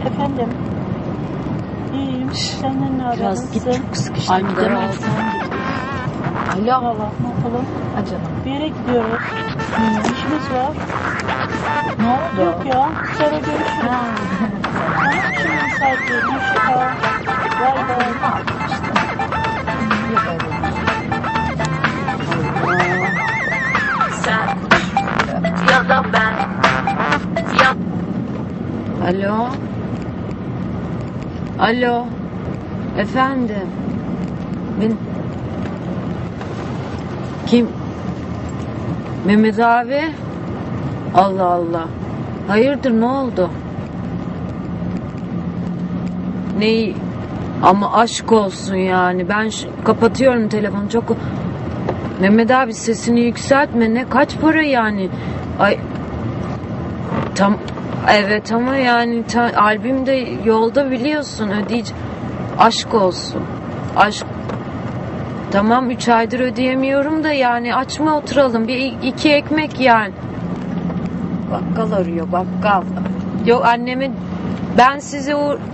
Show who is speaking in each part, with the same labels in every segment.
Speaker 1: Efendim. İyiyim. Senden ne haber?
Speaker 2: Biraz git, çok sıkıştım.
Speaker 1: Alo.
Speaker 2: Alo.
Speaker 1: Valla ne yapalım?
Speaker 2: Ha canım.
Speaker 1: Bir yere gidiyoruz. İşimiz var.
Speaker 2: Ne oldu?
Speaker 1: Yok ya. Sonra görüşürüz. Tamam, şimdi müsait değilim. Hoşçakal. Bay bay.
Speaker 3: Sen ya da ben ya.
Speaker 2: Alo. Alo. Efendim. Kim? Mehmet abi. Allah Allah. Hayırdır, ne oldu? Neyi? Ama aşk olsun yani. Ben kapatıyorum telefonu. Çok... Mehmet abi sesini yükseltme. Ne, kaç para yani? Ay. Evet ama yani albüm de yolda, biliyorsun, ödeyeceğim. Aşk olsun. Aşk. Tamam, 3 aydır ödeyemiyorum da yani açma, oturalım. İki ekmek yani. Bakkal arıyor, bakkal. Yok anneme, ben size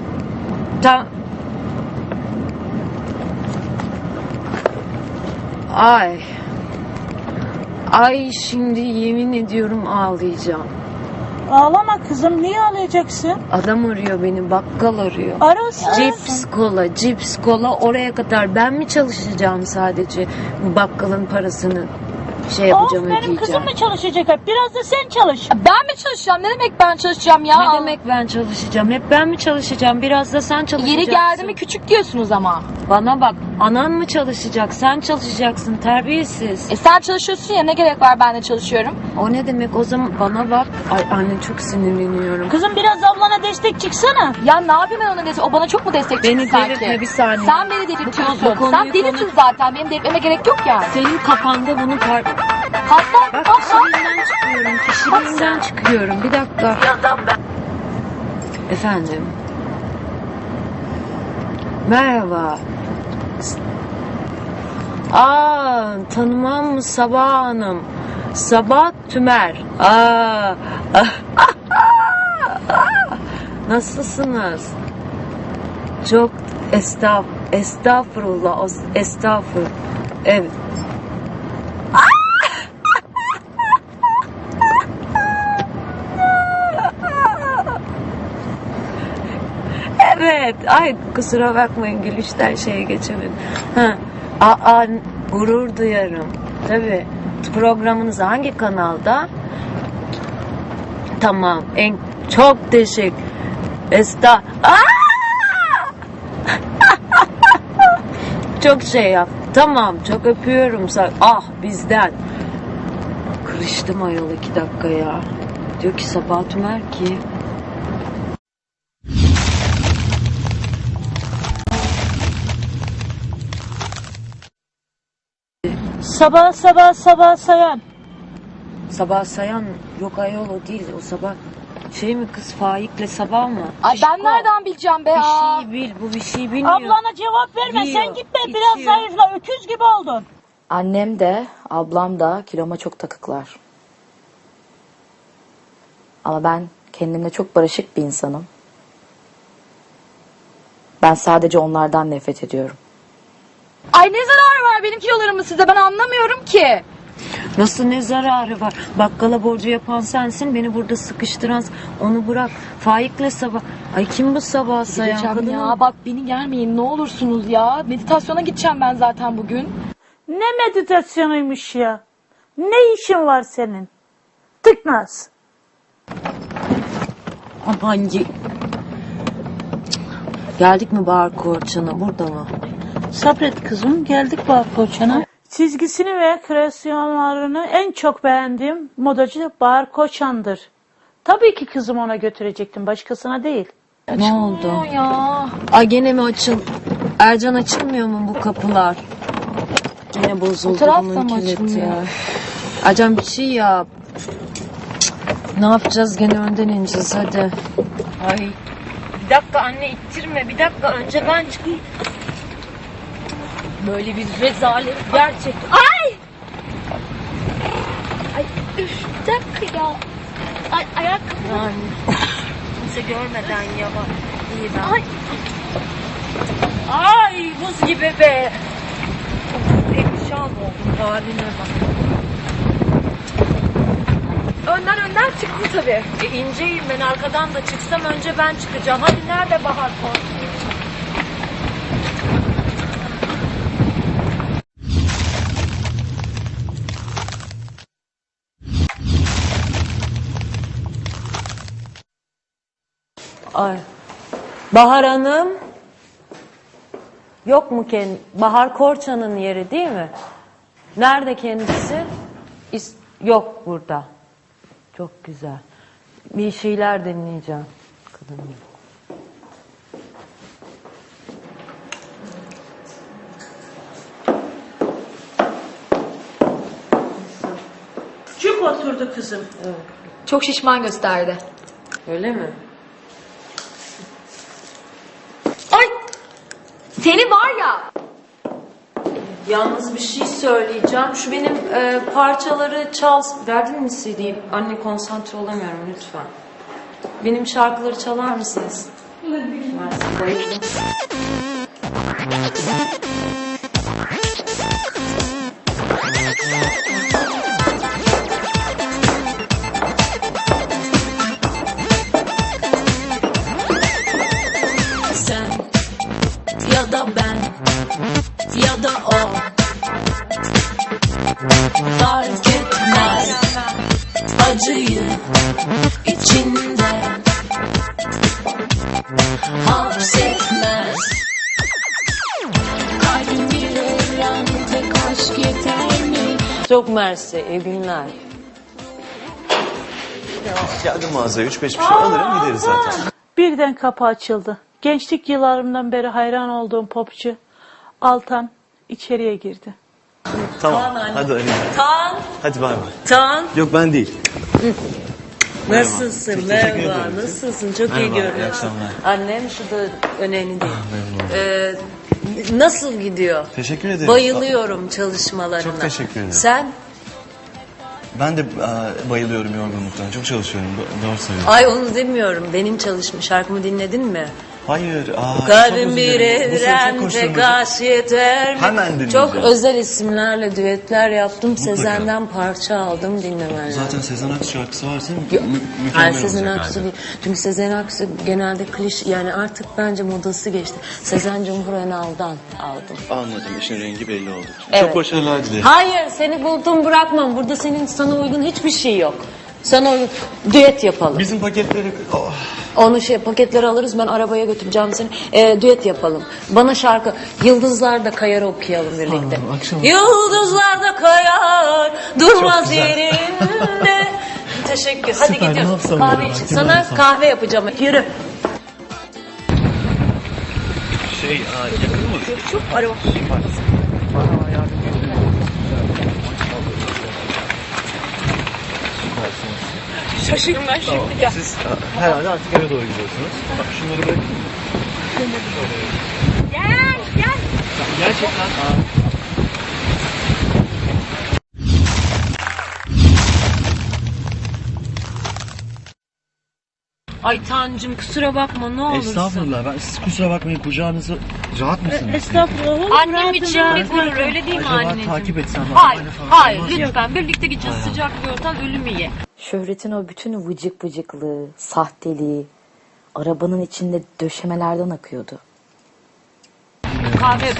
Speaker 2: Ay şimdi yemin ediyorum ağlayacağım.
Speaker 1: Ağlama kızım. Niye ağlayacaksın?
Speaker 2: Adam arıyor beni, bakkal arıyor.
Speaker 1: Arasın.
Speaker 2: Cips kola oraya kadar ben mi çalışacağım sadece? Bu bakkalın parasını yapacağım,
Speaker 1: benim
Speaker 2: ödeyeceğim.
Speaker 1: kızım mı çalışacak hep? Biraz da sen çalış.
Speaker 4: Ben mi çalışacağım? Ne demek ben çalışacağım ya?
Speaker 2: Ne demek ben çalışacağım? Hep ben mi çalışacağım? Biraz da sen çalışacaksın.
Speaker 4: Yeri geldi mi küçük diyorsunuz ama.
Speaker 2: Bana bak, anan mı çalışacak? Sen çalışacaksın, terbiyesiz.
Speaker 4: Sen çalışıyorsun ya, ne gerek var ben de çalışıyorum.
Speaker 2: O ne demek o zaman? Bana bak. Ay anne, çok sinirleniyorum.
Speaker 1: Kızım biraz ablana destek çıksana.
Speaker 4: Ya ne yapayım ben ona destek? O bana çok mu destek
Speaker 2: Beni
Speaker 4: çıktı sanki?
Speaker 2: delirtme bir saniye.
Speaker 4: Sen beni delirtiyorsun.
Speaker 2: Bu konuyu
Speaker 4: Sen delisin zaten. Benim delirtmeme gerek yok yani.
Speaker 2: Senin kafanda bunu
Speaker 4: Hatta
Speaker 2: Bak, kişiliğinden çıkıyorum. Bir dakika.
Speaker 3: Ya da ben.
Speaker 2: Efendim. Merhaba. Tanımam mı Sabah Hanım? Sabah Tümer. Nasılsınız? Çok estağfurullah. Estağfurullah. Evet. Evet. Ay kusura bakmayın, gülüşten geçemedim. Gurur duyarım. Tabii. Programınız hangi kanalda? Tamam. Çok teşekkür. Çok yap. Tamam. Çok öpüyorum. Bizden. Kırıştım ayol 2 dakika ya. Diyor ki Sabah Tümer ki.
Speaker 1: Sabah sayan.
Speaker 2: Sabah Sayan yok ayol, o değil. O Sabah mi kız, Faik'le Sabah mı?
Speaker 4: Ay ben nereden bileceğim be ya?
Speaker 2: Bir şey bil, bu bir şey bilmiyor.
Speaker 1: Ablana cevap verme.
Speaker 2: Yiyor,
Speaker 1: Sen gitme.
Speaker 2: içiyor.
Speaker 1: Biraz zayıfla. Öküz gibi oldun.
Speaker 4: Annem de ablam da kiloma çok takıklar. Ama ben kendimle çok barışık bir insanım. Ben sadece onlardan nefret ediyorum. Ay ne zararı var benim kilolarımın size, ben anlamıyorum ki.
Speaker 2: Nasıl ne zararı var? Bakkala borcu yapan sensin, beni burada sıkıştıran, onu bırak. Faik'le Sabah. Ay kim bu Sabah Sayan?
Speaker 4: Gideceğim ya, bak beni gelmeyin ne olursunuz ya. Meditasyona gideceğim ben zaten bugün.
Speaker 1: Ne meditasyonuymuş ya? Ne işin var senin? Tıknaz.
Speaker 2: Aman geldik mi Bahar Korçan'a, burada mı?
Speaker 1: Sabret kızım. Geldik Bahar Koçan'a. Çizgisini ve kreasyonlarını en çok beğendiğim modacı Bahar Koçan'dır. Tabii ki kızım ona götürecektim. Başkasına değil.
Speaker 2: Ne oldu?
Speaker 4: Ya.
Speaker 2: Ay gene mi Ercan, açılmıyor mu bu kapılar? Yine bozuldu bunun kilidi ya. Ercan bir şey yap. Ne yapacağız, gene önden ineceğiz hadi. Ay. Bir dakika anne, ittirme, bir dakika, önce ben çıkayım. Böyle bir rezalet gerçekten.
Speaker 5: Ay üf, bir dakika ya. Ay ayakkabı.
Speaker 2: Yani kimse görmeden ya bak. İyi ben.
Speaker 1: Ay buz gibi be.
Speaker 2: Perişan oldum haline bak.
Speaker 4: Önden çıktı tabii.
Speaker 2: İnceyim ben, arkadan da çıksam önce ben çıkacağım. Hadi nerede Bahar Korsan? Ay. Bahar Hanım. Yok mu kendi? Bahar Korçan'ın yeri değil mi? Nerede kendisi? Yok burada. Çok güzel. Bir şeyler dinleyeceğim. Kadın.
Speaker 1: Cuk oturdu kızım.
Speaker 4: Çok şişman gösterdi.
Speaker 2: Öyle mi?
Speaker 4: Ay! Seni var ya.
Speaker 2: Yalnız bir şey söyleyeceğim. Şu benim parçaları çal... Verdin mi CD'yi? Anne konsantre olamıyorum lütfen. Benim şarkıları çalar mısınız? Mersi, bayıldım.
Speaker 3: Sen ya da ben ya da o fark etmez acıyı içinde hapsetmez. Kalbim bir evren, tek aşk yeter mi?
Speaker 2: Çok mersi, iyi günler.
Speaker 5: Geldim mağazaya 3-5 bir şey alırım gideriz zaten.
Speaker 1: Birden kapı açıldı. Gençlik yıllarımdan beri hayran olduğum popçu Altan içeriye girdi.
Speaker 5: Tamam hadi Ali.
Speaker 2: Tan,
Speaker 5: Hadi bay bay.
Speaker 2: Tan.
Speaker 5: Yok ben değil.
Speaker 2: Nasılsın?
Speaker 5: Teşekkür
Speaker 2: Merhaba.
Speaker 5: ederim.
Speaker 2: Nasılsın? Çok iyi
Speaker 5: Merhaba, iyi
Speaker 2: görünüyorsun.
Speaker 5: akşamlar.
Speaker 2: Annem şu da önemli değil. Nasıl gidiyor?
Speaker 5: Teşekkür ederim.
Speaker 2: Bayılıyorum çalışmalarına.
Speaker 5: Çok teşekkür ederim.
Speaker 2: Sen?
Speaker 5: Ben de bayılıyorum yorgunluktan. Çok çalışıyorum. Doğru söylüyorsun.
Speaker 2: Ay onu demiyorum. Benim şarkımı dinledin mi?
Speaker 5: Hayır. Çok
Speaker 2: Kalbim
Speaker 5: özür
Speaker 2: bir
Speaker 5: dilerim. Bu sene çok
Speaker 2: evren
Speaker 5: koşturmacı.
Speaker 2: tek aşk yeter mi?
Speaker 5: Hemen dinleyeceğim.
Speaker 2: Çok özel isimlerle düetler yaptım. Sezen'den parça aldım, dinlemen lazım.
Speaker 5: Zaten Sezen Aksu şarkısı varsa
Speaker 2: Yok,
Speaker 5: mükemmel
Speaker 2: hayır,
Speaker 5: olacak
Speaker 2: Sezen Aksu
Speaker 5: herhalde.
Speaker 2: değil. Çünkü Sezen Aksu genelde yani artık bence modası geçti. Sezen Cumhur Önal'dan aldım.
Speaker 5: Anladım. İşin rengi belli oldu.
Speaker 2: Evet.
Speaker 5: Çok başarılar dilerim.
Speaker 2: Hayır, seni buldum bırakmam. Burada sana uygun hiçbir şey yok. Sana uygun. Düet yapalım.
Speaker 5: Bizim paketleri... Oh.
Speaker 2: Onu paketleri alırız, ben arabaya götüreceğim seni. Düet yapalım. Bana şarkı Yıldızlar da Kayar okuyalım birlikte.
Speaker 5: Anladım, akşam.
Speaker 2: Yıldızlar da kayar durmaz
Speaker 5: güzel.
Speaker 2: yerinde. Teşekkür. Hadi
Speaker 5: Süper, ne
Speaker 2: gidiyoruz.
Speaker 5: yapsam
Speaker 2: Kahve
Speaker 5: böyle,
Speaker 2: için.
Speaker 5: vaktim
Speaker 2: Sana
Speaker 5: olsa.
Speaker 2: kahve yapacağım. Yürü.
Speaker 5: Yakın mı?
Speaker 2: Çok araba. Şaşırdım ben şimdi. Gel.
Speaker 5: Siz herhalde artık eve doğru gidiyorsunuz. Bak şunları bırakın.
Speaker 2: Gel.
Speaker 5: Gerçekten.
Speaker 2: Ay Tancım kusura bakma ne olursun.
Speaker 5: Estağfurullah. Siz kusura bakmayın. Kucağınızı rahat mısınız?
Speaker 1: Estağfurullah.
Speaker 2: Annem için bir gurur öyle değil mi
Speaker 5: Acaba
Speaker 2: anneciğim?
Speaker 5: takip etsem?
Speaker 2: Hayır,
Speaker 5: arabayla falan
Speaker 2: hayır
Speaker 5: olmaz mı?
Speaker 2: lütfen birlikte gideceğiz, sıcak bir ortam, ölümü ye.
Speaker 4: Şöhret'in o bütün vıcık vıcıklığı, sahteliği arabanın içinde döşemelerden akıyordu.
Speaker 2: Kahve.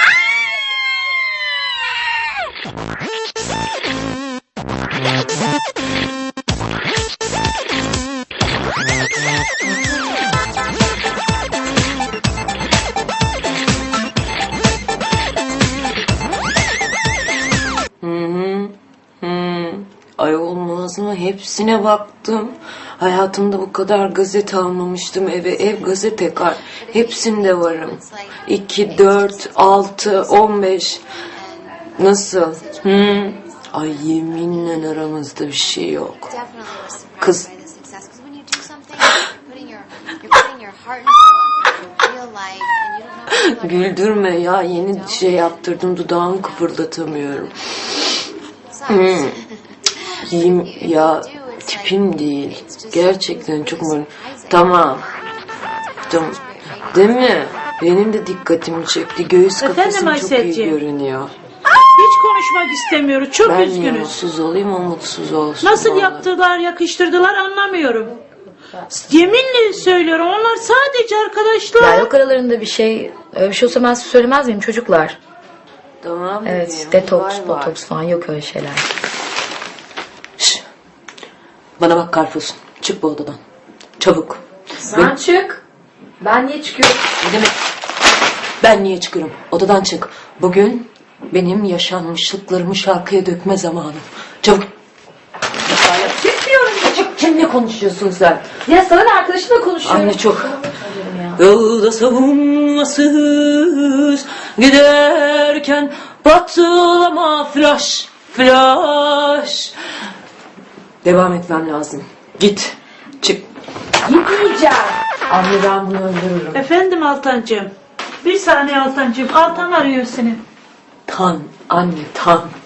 Speaker 2: Ay olmaz mı? Hepsine baktım. Hayatımda bu kadar gazete almamıştım eve. Ev gazete kar. Hepsinde varım. 2, 4, 6, 15. Nasıl? Ay yeminle aramızda bir şey yok. Kız. Güldürme ya. Yeni şey yaptırdım. Dudağımı kıpırdatamıyorum. Ya tipim değil. Gerçekten çok mu? Tamam. Değil mi? Benim de dikkatimi çekti. Göğüs
Speaker 1: Efendim
Speaker 2: kafesim çok iyi
Speaker 1: Ayselciğim?
Speaker 2: görünüyor.
Speaker 1: Hiç konuşmak istemiyoruz. Çok
Speaker 2: Ben niye
Speaker 1: üzgünüz.
Speaker 2: mutsuz olayım, o mutsuz olsun.
Speaker 1: Nasıl
Speaker 2: vallahi.
Speaker 1: yaptılar, yakıştırdılar anlamıyorum. Yeminle söylüyorum, onlar sadece arkadaşlar.
Speaker 4: Ya yok aralarında bir şey. Öyle bir şey olsa ben size söylemez miyim çocuklar?
Speaker 2: Tamam.
Speaker 4: Evet,
Speaker 2: bebeğim,
Speaker 4: detoks,
Speaker 2: var var.
Speaker 4: botoks falan yok öyle şeyler.
Speaker 2: Şş, bana bak Karpuz. Çık bu odadan. Çabuk.
Speaker 4: Sen çık. Ben niye çıkıyorum?
Speaker 2: Ne demek? Ben niye çıkıyorum? Odadan çık. Bugün benim yaşanmışlıklarımı şarkıya dökme zamanım. Çabuk.
Speaker 4: Çıkmıyorum.
Speaker 2: Çık. Kimle konuşuyorsun sen?
Speaker 4: Ya sana ne, arkadaşımla konuşuyorum.
Speaker 2: Anne çok. Yolda savunmasız giderken patlama flash flash. Devam etmem lazım. Git. Çık.
Speaker 4: Gitmeyeceğim.
Speaker 2: Anne ben bunu öldürürüm.
Speaker 1: Efendim Altancığım. Bir saniye Altancığım. Altan arıyor seni.
Speaker 2: Tan anne tan.